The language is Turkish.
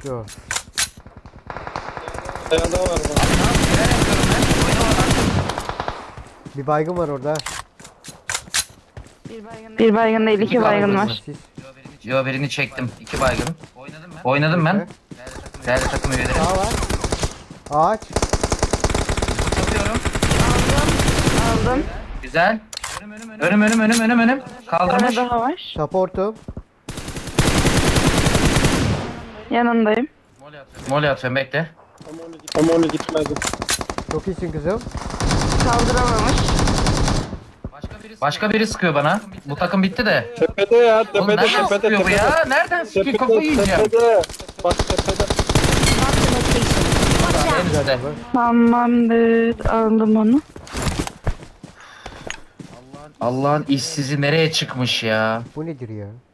Koşuyor. Dayan daha var bak. Neler yapıyorum ben? Oyna oradan. Bir baygın var orada. Bir baygın değil, iki baygın var. Siz Yo birini çektim. 2 baygın. Oynadım ben. Değerli takım üyeleri. sağ var. Ağaç. Tutuyorum. Aldım. Güzel. Önüm. Bir Kaldırmış. tane daha var. Supportum. Yanındayım. Mole atıyorum bekle. Ama onu gitmedi. Çok iyisin kızım. Kaldıramamış. Başka biri sıkıyor bana. Bu takım bitti de. Tepede ya, Oğlum tepede, nereden tepede, sıkıyor bu tepede. ya? Nereden sıkıyor? Kafayı yiyeceğim. Tepede. Bak tepede. En üstte. Tamamdır. Aldım onu. Allah'ın işsizi nereye çıkmış ya? Bu nedir ya?